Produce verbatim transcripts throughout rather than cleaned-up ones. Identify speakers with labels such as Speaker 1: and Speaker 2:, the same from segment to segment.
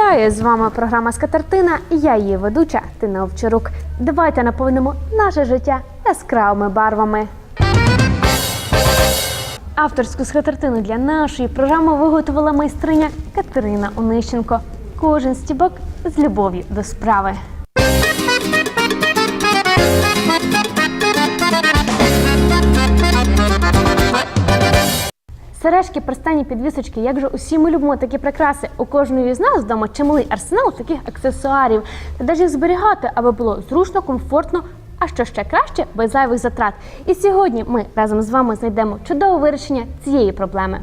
Speaker 1: Вітаю! З вами програма «Скатертина» і я її ведуча Тина Овчарук. Давайте наповнимо наше життя яскравими барвами. Авторську скатертину для нашої програми виготовила майстриня Катерина Онищенко. Кожен стібок з любов'ю до справи. Сережки, перстені, підвісочки, як же усі ми любимо такі прикраси. У кожної з нас вдома чималий арсенал таких аксесуарів. Та де ж їх зберігати, аби було зручно, комфортно, а що ще краще, без зайвих затрат. І сьогодні ми разом з вами знайдемо чудове вирішення цієї проблеми.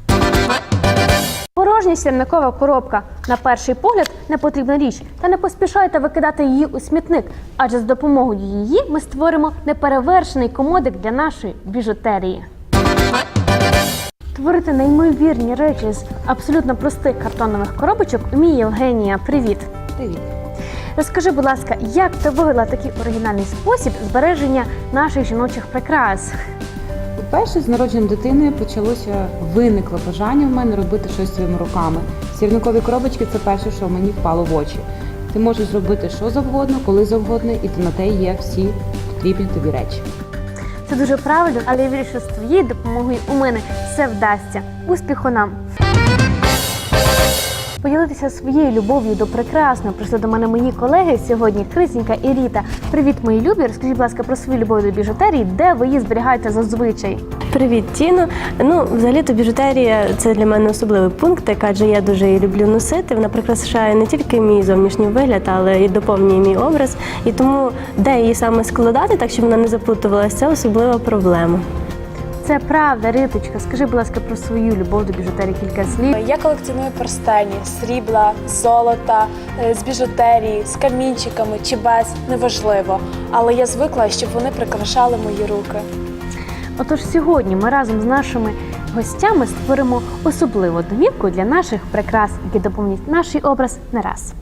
Speaker 1: Порожня сірникова коробка. На перший погляд не потрібна річ. Та не поспішайте викидати її у смітник, адже з допомогою її ми створимо неперевершений комодик для нашої біжутерії. Творити неймовірні речі з абсолютно простих картонових коробочок вміє Євгенія. Привіт!
Speaker 2: Привіт!
Speaker 1: Розкажи, будь ласка, як ти вивела такий оригінальний спосіб збереження наших жіночих прикрас?
Speaker 2: По-перше, з народженням дитини почалося, виникло бажання в мене робити щось своїми руками. Сірникові коробочки – це перше, що мені впало в очі. Ти можеш зробити що завгодно, коли завгодно, і на те є всі потрібні тобі речі.
Speaker 1: Це дуже правильно, але я вірю, що з твоєю допомогою у мене все вдасться. Успіху нам! Поділитися своєю любов'ю до прекрасного прийшли до мене мої колеги сьогодні, Крисінька і Ріта. Привіт, мої любі! Розкажіть, будь ласка, про свою любов до біжутерії, де ви її зберігаєте зазвичай?
Speaker 3: Привіт, Тіно. Ну, взагалі-то біжутерія – це для мене особливий пункт, адже я дуже її люблю носити. Вона прикрашає не тільки мій зовнішній вигляд, але і доповнює мій образ. І тому, де її саме складати, так щоб вона не заплутувалася, це особлива проблема.
Speaker 1: Це правда, Риточка. Скажи, будь ласка, про свою любов до біжутерії кілька слів.
Speaker 4: Я колекціоную перстені, срібла, золота, з біжутерії, з камінчиками чи без, неважливо. Але я звикла, щоб вони прикрашали мої руки.
Speaker 1: Отож, сьогодні ми разом з нашими гостями створимо особливу домівку для наших прикрас, які доповнять наш образ не раз.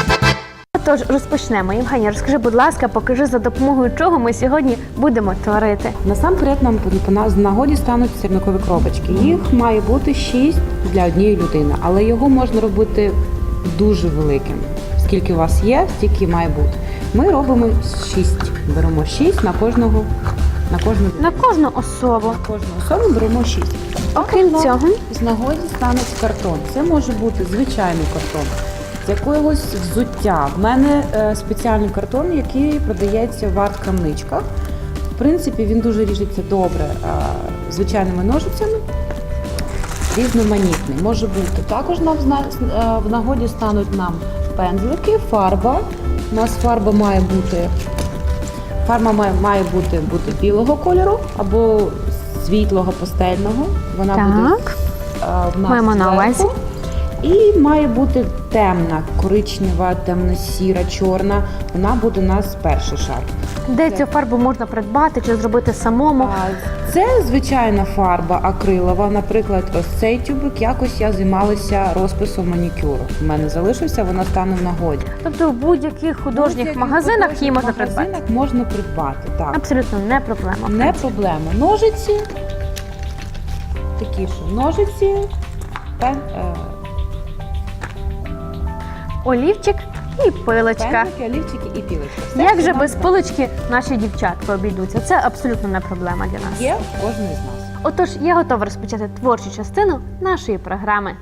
Speaker 1: Отож, розпочнемо. Євгенія, розкажи, будь ласка, покажи, за допомогою чого ми сьогодні будемо творити.
Speaker 2: Насамперед нам з нагоді стануть сірникові коробочки. Їх має бути шість для однієї людини, але його можна робити дуже великим. Скільки у вас є, стільки має бути. Ми робимо шість. Беремо шість на кожного, на кожну людину.
Speaker 1: На кожну особу.
Speaker 2: На кожну особу беремо шість.
Speaker 1: Окрім цього,
Speaker 2: з нагоді стануть картон. Це може бути звичайний картон, з якогось взуття. В мене е, спеціальний картон, який продається в арт-крамничках. В принципі, він дуже ріжеться добре е, звичайними ножицями, різноманітний. Може бути. Також нам е, в нагоді стануть нам пензлики, фарба. У нас фарба має бути, фарба має, має бути, бути білого кольору або світлого пастельного. Вона
Speaker 1: так.
Speaker 2: буде е, в нас
Speaker 1: маємо на увазі.
Speaker 2: І має бути темна, коричнева, темно-сіра, чорна. Вона буде у нас перший шар.
Speaker 1: Де цю фарбу можна придбати чи зробити самому?
Speaker 2: Це звичайна фарба акрилова. Наприклад, ось цей тюбик, якось я займалася розписом манікюру. У мене залишився, вона стане в нагоді.
Speaker 1: Тобто в будь-яких художніх
Speaker 2: Будь-яких
Speaker 1: магазинах
Speaker 2: художніх
Speaker 1: її можна
Speaker 2: магазинах
Speaker 1: придбати?
Speaker 2: можна придбати, так.
Speaker 1: Абсолютно не проблема.
Speaker 2: Не проблема. Ножиці, такі ж ножиці, пен, е,
Speaker 1: Олівчик і пилочка.
Speaker 2: пензлики, олівчики і пілочка. Все,
Speaker 1: Як
Speaker 2: що
Speaker 1: же
Speaker 2: нам
Speaker 1: без
Speaker 2: треба.
Speaker 1: пилочки наші дівчатки обійдуться? Це абсолютно не проблема для нас.
Speaker 2: Є в кожної з нас.
Speaker 1: Отож, я готова розпочати творчу частину нашої програми.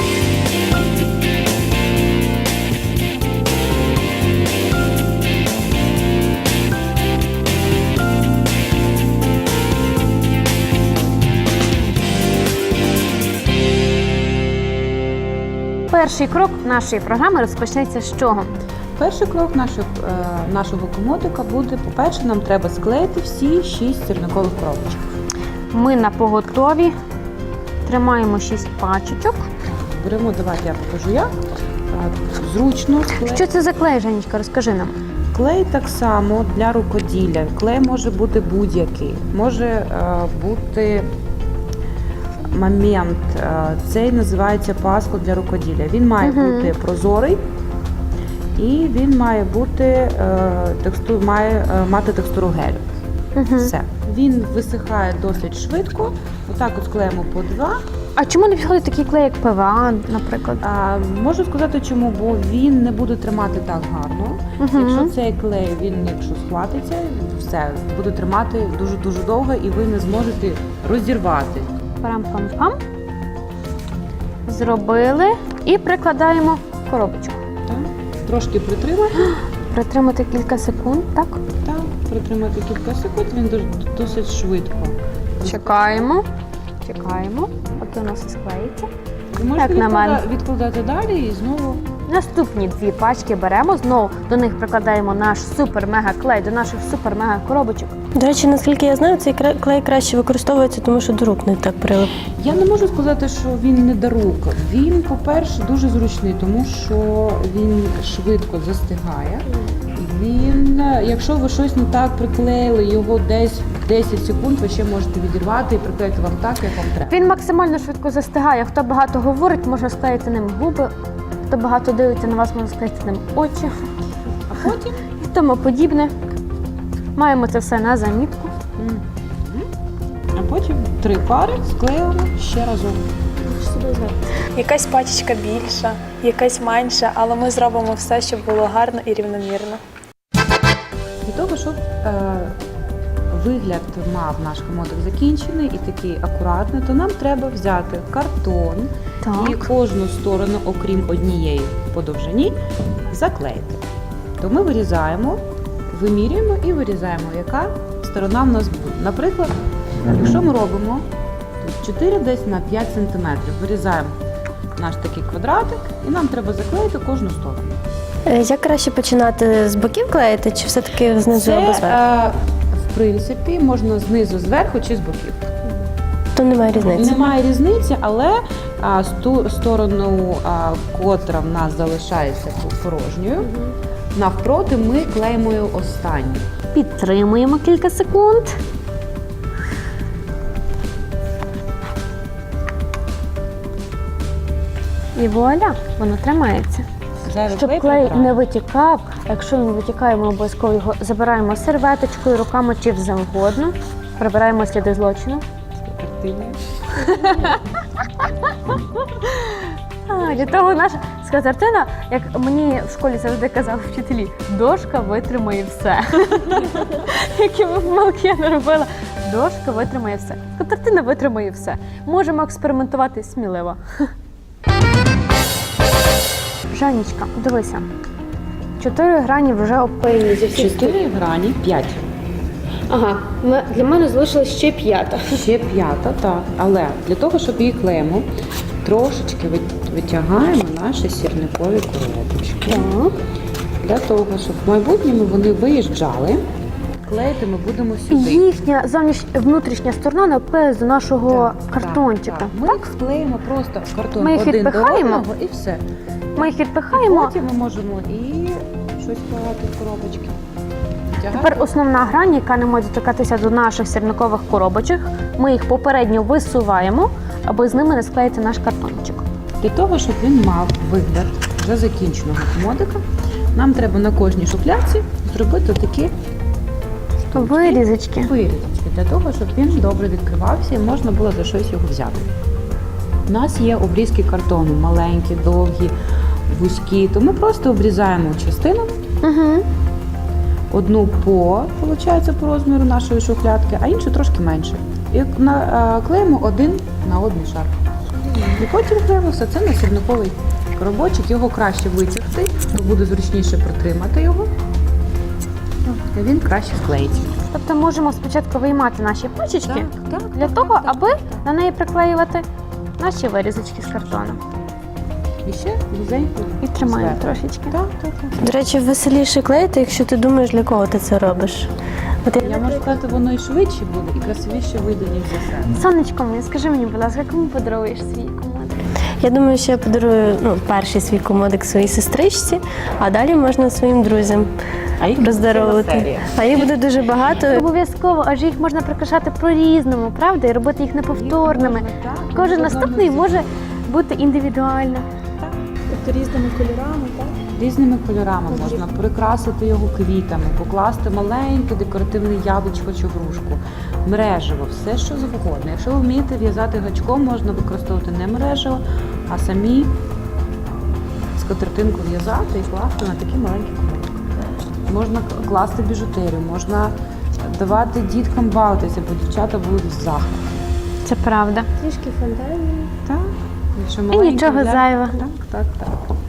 Speaker 1: Перший крок нашої програми розпочнеться з чого?
Speaker 2: Перший крок нашого, е, нашого комодика буде, по-перше, нам треба склеїти всі шість сірникових коробочок.
Speaker 1: Ми на поготові тримаємо шість пачечок.
Speaker 2: Беремо, давайте я покажу як. Е, Зручно склеїти.
Speaker 1: Що це за клей, Женечка, розкажи нам.
Speaker 2: Клей так само для рукоділля. Клей може бути будь-який. Може е, бути момент. Е, цей називається паскот для рукоділля. Він має
Speaker 1: Угу.
Speaker 2: бути прозорий. І він має бути е, текстур, має е, мати текстуру гелю.
Speaker 1: Угу.
Speaker 2: Все. Він висихає досить швидко. Отак от склеїмо по два
Speaker 1: А чому не підходить такий клей, як пе ве а, наприклад?
Speaker 2: А, можу сказати чому, бо він не буде тримати так гарно.
Speaker 1: Мгм.
Speaker 2: Якщо цей клей, він якщо схватиться, все, буде тримати дуже-дуже довго і ви не зможете розірвати.
Speaker 1: Парам-пам-пам. Зробили і прикладаємо в коробочку.
Speaker 2: Так? Трошки притримати.
Speaker 1: Притримати кілька секунд, так?
Speaker 2: Так, притримати кілька секунд, він дуже- досить швидко.
Speaker 1: Чекаємо. Чекаємо, поки у нас все склеїться.
Speaker 2: Ви можете
Speaker 1: Як на мене.
Speaker 2: відклада- відкладати далі і знову.
Speaker 1: Наступні дві пачки беремо, знову до них прикладаємо наш супер-мега-клей, до наших супер-мега-коробочок.
Speaker 3: До речі, наскільки я знаю, цей кра- клей краще використовується, тому що до рук не так прилип.
Speaker 2: Я не можу сказати, що він не до рук. Він, по-перше, дуже зручний, тому що він швидко застигає. Він, якщо ви щось не так приклеїли, його десь десять секунд ви ще можете відірвати і приклеїти вам так, як вам треба.
Speaker 1: Він максимально швидко застигає. Хто багато говорить, можна склеїти ним губи. Хто багато дивиться на вас, можна склеїти ним очі.
Speaker 2: А потім
Speaker 1: І тому подібне. Маємо це все на замітку.
Speaker 2: Мгм. а потім три пари склеїмо ще разом.
Speaker 4: Якась пачечка більша, якась менша, але ми зробимо все, щоб було гарно і рівномірно.
Speaker 2: Для того, щоб е, вигляд мав наш комодик закінчений і такий акуратний, то нам треба взяти картон і
Speaker 1: Так.
Speaker 2: кожну сторону, окрім однієї по довжині, заклеїти. То ми вирізаємо, вимірюємо і вирізаємо, яка сторона в нас буде. Наприклад, якщо ми робимо тут чотири десь на п'ять сантиметрів, вирізаємо наш такий квадратик і нам треба заклеїти кожну сторону.
Speaker 3: Е, Як краще починати з боків клеїти, чи все-таки знизу або
Speaker 2: Це,
Speaker 3: зверху?
Speaker 2: е, в принципі, можна знизу, зверху чи з боків.
Speaker 3: То немає різниці.
Speaker 2: Немає різниці, але а, з ту сторону, а, котра в нас залишається порожньою, навпроти ми клеїмо її останню.
Speaker 1: Підтримуємо кілька секунд. І вуаля, воно тримається.
Speaker 2: Зайвий
Speaker 1: Щоб клей
Speaker 2: прибираємо.
Speaker 1: не витікав, а якщо він витікає, ми обов'язково його забираємо серветочкою, руками чи завгодно. Прибираємо сліди злочину.
Speaker 2: Активний.
Speaker 1: А, для того наша скатертина, як мені в школі завжди казали вчителі, дошка витримає все. Які ми помилки я не робила. Дошка витримає все. Скатертина витримає все. Можемо експериментувати сміливо. Жанічка, дивися. Чотири грані вже обклеєні зі всіх.
Speaker 2: Чотири грані, п'ять.
Speaker 1: Ага, ми- для мене залишилась ще п'ята.
Speaker 2: Ще п'ята, так. Але для того, щоб її клеїмо, трошечки вит- витягаємо наші сірникові коробочки.
Speaker 1: Так.
Speaker 2: Для того, щоб в майбутньому вони виїжджали, клеїти ми будемо сюди.
Speaker 1: Їхня зовнішня внутрішня сторона не обклеїться до нашого
Speaker 2: Так,
Speaker 1: картончика.
Speaker 2: так, так. Ми їх вклеїмо просто в картон
Speaker 1: Ми їх
Speaker 2: один
Speaker 1: відпихаємо?
Speaker 2: до одного і все.
Speaker 1: Ми їх відпихаємо.
Speaker 2: Потім ми можемо і щось клеїти в коробочки. Втягати.
Speaker 1: Тепер основна грань, яка не може доторкатися до наших сірникових коробочок, ми їх попередньо висуваємо, аби з ними не склеїти наш картончик.
Speaker 2: Для того, щоб він мав вигляд вже закінченого комодика, нам треба на кожній шухлядці зробити такі
Speaker 1: Вирізочки.
Speaker 2: вирізочки, для того, щоб він добре відкривався і можна було за щось його взяти. У нас є обрізки картону, маленькі, довгі, вузькі, то ми просто обрізаємо частину,
Speaker 1: Угу.
Speaker 2: одну по, виходить, по розміру нашої шухлядки, а іншу трошки менше. І на- а, клеїмо один на один шар. І потім клеїмо все це на сірниковий коробочок, його краще витягти, то буде зручніше протримати його, і він краще склеїться.
Speaker 1: Тобто можемо спочатку виймати наші пачечки
Speaker 2: так,
Speaker 1: для того, аби на неї приклеювати наші вирізочки з картону.
Speaker 2: І ще вузенько.
Speaker 1: І тримаємо
Speaker 2: зверху.
Speaker 1: трошечки.
Speaker 2: Так, так, так.
Speaker 3: До речі, веселіше клеїти, якщо ти думаєш, для кого ти це робиш. От я,
Speaker 2: Я можу сказати, воно і швидше буде, і красивіше вийде, ніж за себе.
Speaker 1: Сонечко моє, скажи мені, будь ласка, кому подаруєш свій комодик?
Speaker 3: я думаю, що я подарую ну, перший свій комодик своїй сестричці, а далі можна своїм друзям
Speaker 2: А їх ціла
Speaker 3: роздаровувати.
Speaker 2: серія.
Speaker 3: А їх буде дуже багато.
Speaker 1: Обов'язково, адже їх можна прикрашати по-різному, правда? І робити їх неповторними.
Speaker 2: Їх можна, так,
Speaker 1: Кожен
Speaker 2: можна
Speaker 1: наступний
Speaker 2: одному
Speaker 1: може бути індивідуально.
Speaker 4: Тобто різними кольорами, так?
Speaker 2: різними кольорами, можна прикрасити його квітами, покласти маленьке декоративне яблучко чи грушку, мережево, все що завгодно. Якщо ви вмієте в'язати гачком, можна використовувати не мережево, а самі скатертинку в'язати і класти на такі маленькі кубики. Можна класти біжутерію, можна давати діткам бавитися, бо дівчата будуть в захваті.
Speaker 1: Це правда.
Speaker 3: Трішки фантазії.
Speaker 2: Так. Якщо
Speaker 1: І
Speaker 2: маленькі
Speaker 1: нічого
Speaker 2: взяти-
Speaker 1: зайвого.
Speaker 2: Так, так, так.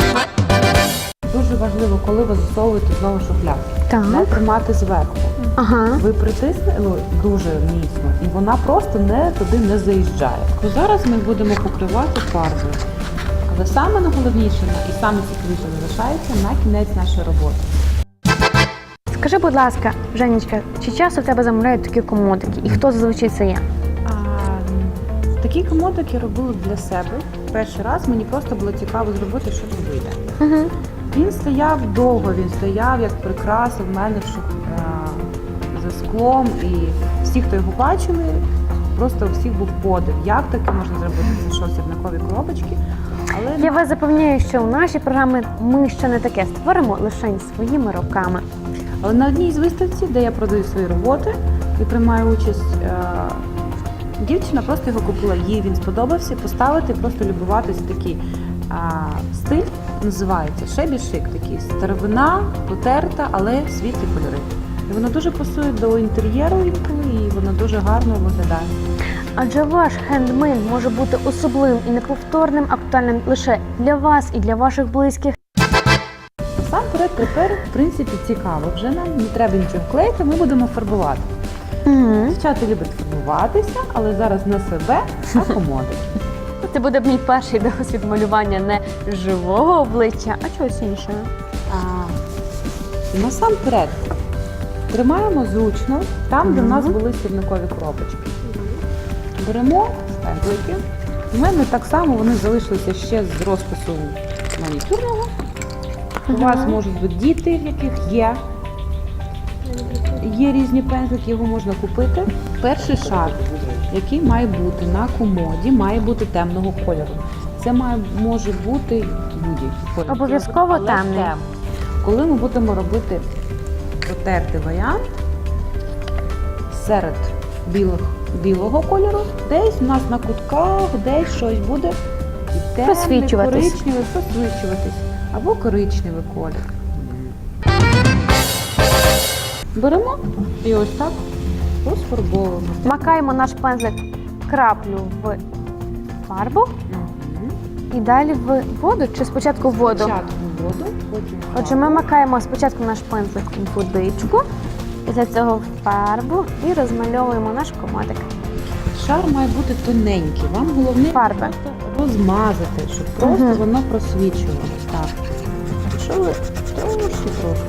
Speaker 2: Дуже важливо, коли ви засовуєте знову шухлядки,
Speaker 1: Так.
Speaker 2: не тримати зверху.
Speaker 1: Ага.
Speaker 2: Ви притиснули ну, дуже міцно, і вона просто не туди не заїжджає. Зараз ми будемо покривати фарбою. Але саме найголовніше і саме цікавіше залишається на кінець нашої роботи.
Speaker 1: Скажи, будь ласка, Женечка, чи часто в тебе замовляють такі комодики? І хто зазвичай це є?
Speaker 2: А, такі комодики я робила для себе. Перший раз мені просто було цікаво зробити, що тут вийде.
Speaker 1: Угу.
Speaker 2: Він стояв довго, він стояв як прикраса в мене в шух... а, за склом. І всі, хто його бачили, просто у всіх був подив. Як таке можна зробити? Це що, сірникові коробочки? Але
Speaker 1: Я вас запевняю, що у нашій програмі ми ще не таке створимо лише своїми руками.
Speaker 2: Але на одній з виставці, де я продаю свої роботи і приймаю участь, е, дівчина просто його купила, їй він сподобався, поставити, просто любуватись такий е, стиль, називається шебі шик, такий старовина, потерта, але світлі кольори. І воно дуже пасує до інтер'єру інколи, і воно дуже гарно виглядає.
Speaker 1: Адже ваш хендмейд може бути особливим і неповторним, актуальним лише для вас і для ваших близьких.
Speaker 2: Насамперед, тепер, в принципі, цікаво. Вже нам не треба нічого клеїти, ми будемо фарбувати.
Speaker 1: Угу.
Speaker 2: Дівчата люблять фарбуватися, але зараз не себе, а комодики.
Speaker 1: Це буде мій перший досвід малювання не живого обличчя, а чогось іншого.
Speaker 2: А, насамперед, тримаємо зручно там, де в нас були сірникові коробочки. Беремо пензлики. У мене так само вони залишилися ще з розпису манікюрного. У вас можуть бути діти, в яких є. Є різні пензлики, його можна купити. Перший шар, який має бути на комоді, має бути темного кольору. Це має, може бути будь-який кольор.
Speaker 1: Обов'язково
Speaker 2: Але
Speaker 1: темний.
Speaker 2: темний. Коли ми будемо робити протертий варіант серед білих, білого кольору, десь у нас на кутках, десь щось буде і темний,
Speaker 1: Просвічуватись.
Speaker 2: коричневий, просвічуватись. Або коричневий колір. Беремо і ось так розфарбовуємо.
Speaker 1: Макаємо наш пензлик краплю в фарбу
Speaker 2: Мгм.
Speaker 1: і далі в воду чи спочатку в воду?
Speaker 2: Спочатку воду, потім
Speaker 1: Отже, ми
Speaker 2: фарбу.
Speaker 1: макаємо спочатку наш пензлик в водичку, після цього в фарбу і розмальовуємо наш комодик.
Speaker 2: Шар має бути тоненький. Вам головне
Speaker 1: Фарби.
Speaker 2: просто розмазати, щоб просто
Speaker 1: Мгм.
Speaker 2: воно просвічувалося. Так. Якщо ви трошки трошки.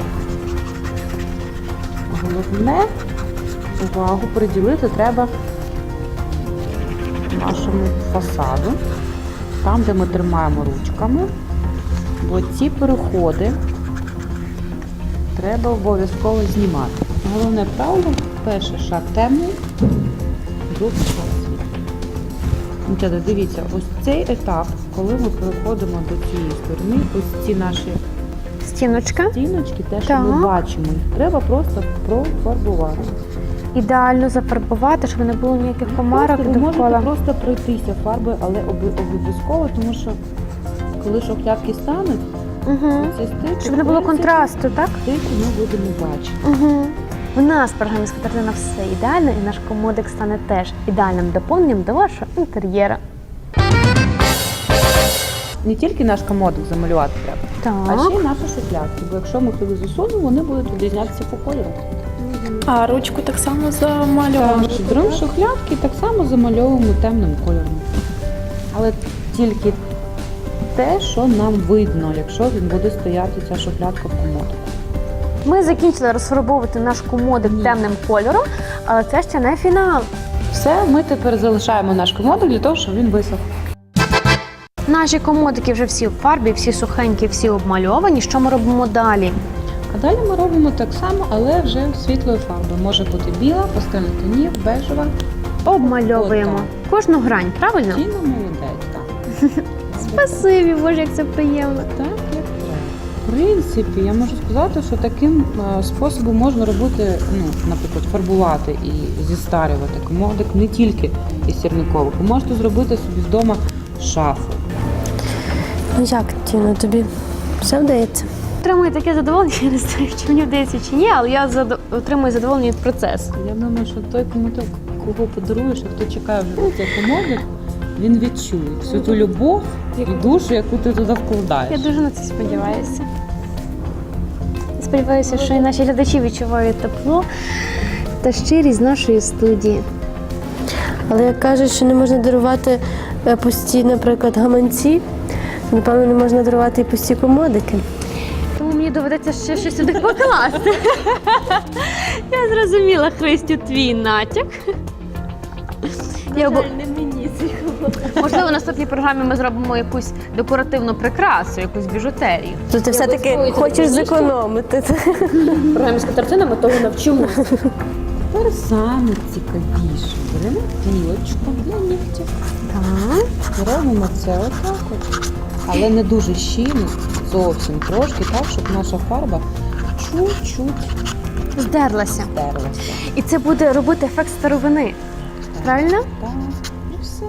Speaker 2: Головне увагу приділити треба нашому фасаду, там, де ми тримаємо ручками, бо ці переходи треба обов'язково знімати. Головне правило, перший шар темний, другий шар світлий. Дівчата, дивіться, ось цей етап, коли ми переходимо до цієї сторони, ось ці наші
Speaker 1: Стіночка.
Speaker 2: стіночки, те, що
Speaker 1: Так.
Speaker 2: ми бачимо, їх треба просто профарбувати.
Speaker 1: Ідеально зафарбувати, щоб не було ніяких комарок
Speaker 2: Просто ви можете
Speaker 1: довкола.
Speaker 2: просто пройтися фарбою, але оби- обов'язково, тому що коли шухлядки стануть,
Speaker 1: Угу.
Speaker 2: цей стик,
Speaker 1: Щоб не було
Speaker 2: в принципі,
Speaker 1: контрасту, так?
Speaker 2: стик ми будемо бачити.
Speaker 1: Угу. В нас в програмі «Скатертина» все ідеально, і наш комодик стане теж ідеальним доповненням до вашого інтер'єру.
Speaker 2: Не тільки наш комодик замалювати треба, а
Speaker 1: Так.
Speaker 2: ще й наші шухлядки, бо якщо ми туди засунемо, вони будуть відрізнятися по кольору.
Speaker 4: А ручку так само замалювали.
Speaker 2: Так, беремо шухлядки і так само замальовуємо темним кольором. Але тільки те, що нам видно, якщо він буде стояти ця шухлядка в комодику.
Speaker 1: Ми закінчили розфарбовувати наш комодик
Speaker 2: Ні.
Speaker 1: темним кольором, але це ще не фінал.
Speaker 2: Все, ми тепер залишаємо наш комодик для того, щоб він висох.
Speaker 1: Наші комодики вже всі в фарбі, всі сухенькі, всі обмальовані. Що ми робимо далі?
Speaker 2: А далі ми робимо так само, але вже світлою фарбою. Може бути біла, пастельних тонів, бежева.
Speaker 1: Обмальовуємо
Speaker 2: Отак.
Speaker 1: кожну грань, правильно?
Speaker 2: Тіна молодець, так.
Speaker 1: Спасибі, Боже, як це приємно.
Speaker 2: Так, як треба. В принципі, я можу сказати, що таким е, способом можна робити, ну, наприклад, фарбувати і зістарювати комодик не тільки із сірникових. Ви можете зробити собі вдома шафу.
Speaker 3: Ну як, Тіно, тобі все вдається?
Speaker 1: Отримую таке задоволення, я не знаю, чи мені вдається чи ні, але я задо- отримую задоволення від процесу.
Speaker 2: Я думаю, що той комодик, кого подаруєш, а хто чекає вже на цей комодик, він відчує всю ту любов і душу, яку ти туди вкладаєш.
Speaker 1: Я дуже на це сподіваюся. Сподіваюся, що і наші глядачі відчувають тепло та щирість нашої студії.
Speaker 3: Але як кажуть, що не можна дарувати е, пусті, наприклад, гаманці, напевно, не можна дарувати і пусті комодики.
Speaker 1: Тому мені доведеться ще щось сюди покласти. Я зрозуміла, Христю, твій натяк. Я бо... Можливо, в наступній програмі ми зробимо якусь декоративну прикрасу, якусь біжутерію.
Speaker 3: То ти все-таки
Speaker 1: обов'язково
Speaker 3: хочеш
Speaker 1: це
Speaker 3: зекономити.
Speaker 1: В програмі з картинами того навчимося.
Speaker 2: Тепер саме цікавіше. Беремо пілочку для нігтів.
Speaker 1: Так.
Speaker 2: І робимо це отак от. Але не дуже щільно, зовсім трошки, так, щоб наша фарба чуть-чуть
Speaker 1: Здерлася.
Speaker 2: стерлася.
Speaker 1: І це буде робити ефект старовини. Правильно?
Speaker 2: Так, і все.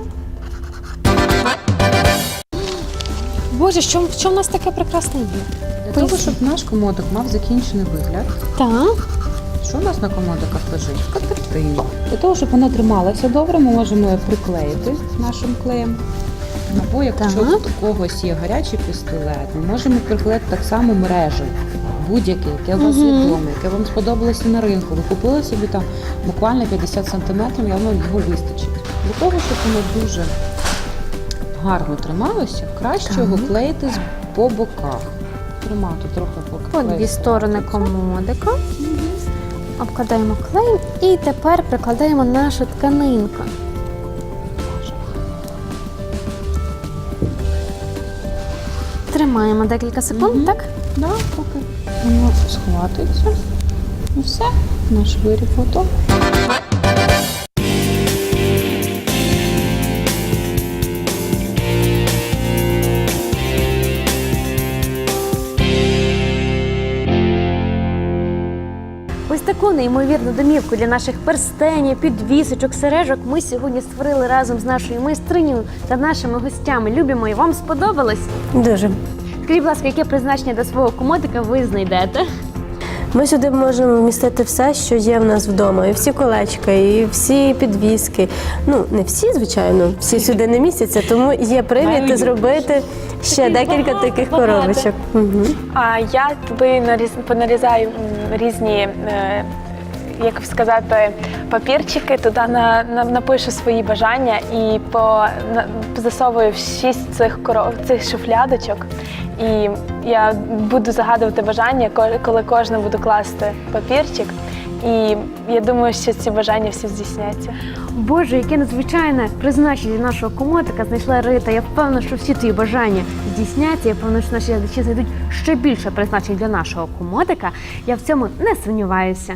Speaker 1: Боже, що, що в нас таке прекрасне є?
Speaker 2: Для того, щоб наш комодик мав закінчений вигляд,
Speaker 1: Так.
Speaker 2: що у нас на комодиках лежить? Скатертина. Для того, щоб вона трималася добре, ми можемо її приклеїти нашим клеєм. Або якщо
Speaker 1: Так.
Speaker 2: у когось є гарячий пістолет, ми можемо приклеїти так само мережево. Будь-яке, яке у вас є вдома, яке вам сподобалося на ринку. Ви купили собі там буквально п'ятдесят сантиметрів, і воно його вистачить. Для того, щоб воно дуже гарно трималося, краще
Speaker 1: Так.
Speaker 2: його клеїти з- по боках. Тримати трохи по
Speaker 1: От дві сторони комодика. Обкладаємо клеєм і тепер прикладаємо нашу тканинку. Тримаємо декілька секунд,
Speaker 2: Мгм.
Speaker 1: так?
Speaker 2: Да, поки воно схватиться. І все, наш виріб готовий.
Speaker 1: Ось таку неймовірну домівку для наших перстенів, підвісочок, сережок ми сьогодні створили разом з нашою майстринею та нашими гостями. Любимо і вам сподобалось?
Speaker 3: Дуже.
Speaker 1: Скажіть, будь ласка, яке призначення до свого комодика ви знайдете?
Speaker 3: Ми сюди можемо вмістити все, що є в нас вдома. І всі колечка, і всі підвіски. Ну, не всі, звичайно, всі сюди не містяться, тому є привід зробити ще декілька таких коробочок. Угу.
Speaker 4: А я туди наріз, понарізаю м, різні, е, як сказати, папірчики, туди на, на, напишу свої бажання і по, на, засовую в шість цих, коров, цих шуфлядочок. І я буду загадувати бажання, ко- коли кожна буду класти папірчик. І я думаю, що ці бажання всі здійсняться.
Speaker 1: Боже, яке надзвичайне призначення для нашого комодика знайшла Рита. Я впевнена, що всі твої бажання здійсняться. Я впевнена, що наші глядачі знайдуть ще більше призначень для нашого комодика. Я в цьому не сумніваюся.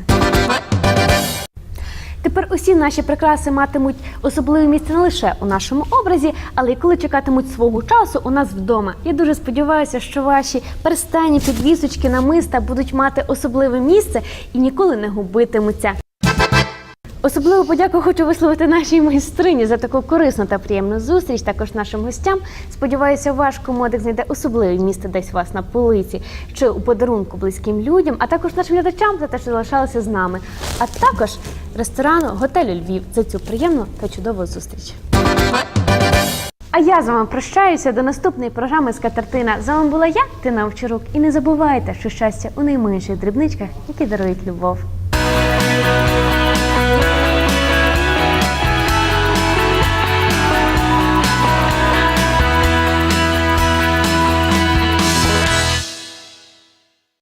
Speaker 1: Тепер усі наші прикраси матимуть особливе місце не лише у нашому образі, але й коли чекатимуть свого часу у нас вдома. Я дуже сподіваюся, що ваші перстені, підвісочки, намиста будуть мати особливе місце і ніколи не губитимуться. Особливу подяку хочу висловити нашій майстрині за таку корисну та приємну зустріч, також нашим гостям. Сподіваюся, ваш комодик знайде особливе місце десь у вас на полиці чи у подарунку близьким людям, а також нашим глядачам за те, що залишалися з нами, а також ресторану готелю Львів за цю приємну та чудову зустріч. А я з вами прощаюся до наступної програми «Скатертина». З вами була я, Тина Овчарук. І не забувайте, що щастя у найменших дрібничках, які дарують любов.